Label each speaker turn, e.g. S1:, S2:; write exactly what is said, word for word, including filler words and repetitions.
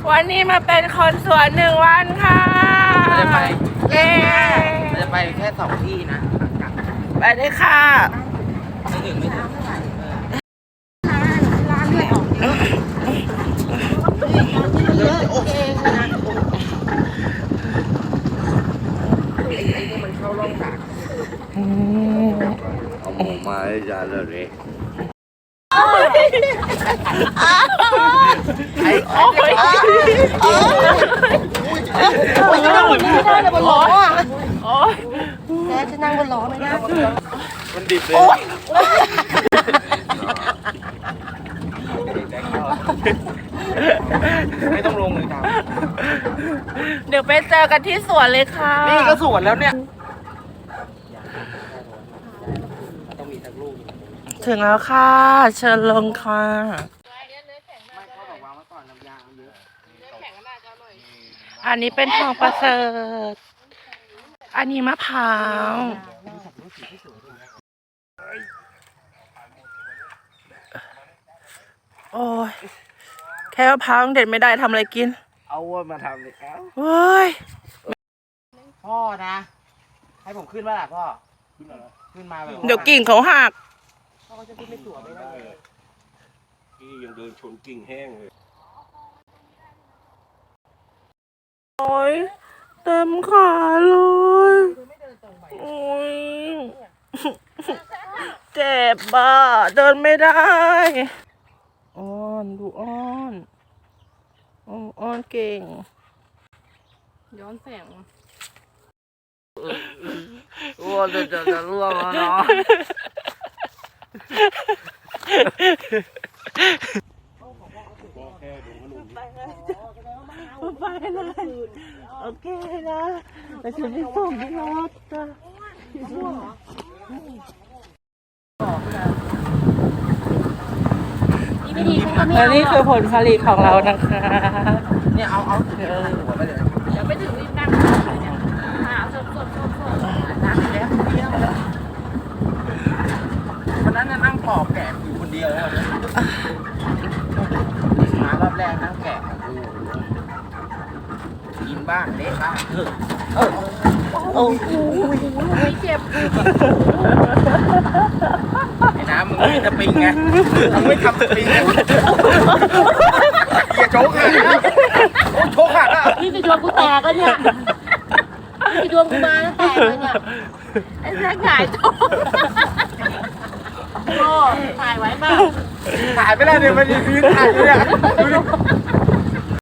S1: วันนี้มาเป็นคนสวนหนึ่งวันค่ะ
S2: เราจะไป
S1: เย้
S2: เราจะไปแค่สองที่นะ
S1: ไปเลยค่ะ
S2: ไม่ถึงไม่ถึง
S3: ร้านไม่ออกเยอะโอเคนะไอ้ไอ้นี่มันเข้าร่องกาก
S4: เอาหมูมาให้จานเลย
S1: ไอ้โอ้ยโอ้ยจะนั่งบนไม่ได้เลยบนล้อโอ้ย
S3: แกจะนั่งบนล้อไม่ได้
S4: มันดิบเลย
S2: ไม่ต้องลงเลยครับ
S1: เดี๋ยวไปเจอกันที่สวนเลยค่ะ
S2: นี่ก็สวนแล้วเนี่ยต้องมีทั้งลูก
S1: ถึงแล้วค่ะเชิญลงค่ะอันนี้เป็นทองประเสริฐอันนี้มะพร้าวโอ้ยแค่มะพร้าวเด็ดไม่ได้ทำอะไรกิน
S2: เอาว่ามาทำเลยครับ
S1: เฮ้ย
S2: พ่อนะให้ผมขึ้นมาล่ะพ่อขึ้นมาแบบ
S1: เดี๋ยวกิ่งเขาหัก
S2: พ่อจะขึ้นไม่สวยไม่ได้
S4: พี่ยังเดินชนกิ่งแห้งเลย
S1: โอ้ยเต็มขาเลยโอ้ยเจ็บบ้าเดินไม่ได้อ้อนดูอ้อนอ้อนอ้อนเก่งย้อนแสง
S2: วัวจะจะจะร่วงแล้วเนาะ
S1: ไปเลยโอเคนะแต่ฉันไม่ส่งที่รถจ้ะและนี่คือผลผลิตของเรานะคะ
S2: เนี่ยเอาเอาเออหัวไปเลย
S1: เดี๋ยวไปถึงรีบนั่งเนี่ยหาสดสดสดสด
S2: นั่งแล้วเดียววันนั้นนั่งปอกแกะอยู่คนเดียวแล้วมารอบแรกนั่งแกะกินบ้างเละบ้างเออ
S1: โอ้โหไม่เจ็บ
S2: ไอ้น้ำมึงไม่จะปิงไงมึงไม่ทำปิงอย่าโชกหักนะโชกหักอ่ะ
S3: นี่จะดวงกูแตกแล้วเนี่ยนี่จะดวงกูมาแล้วแตกเลยเนี่ย
S1: ไอ้แจ๊คหายโต
S3: โอ้ถ่ายไว้ป่ะ
S2: ถ่ายไม่ได้เดี๋ยวมันยืนถ่ายอยู่เนี่ยดูดิ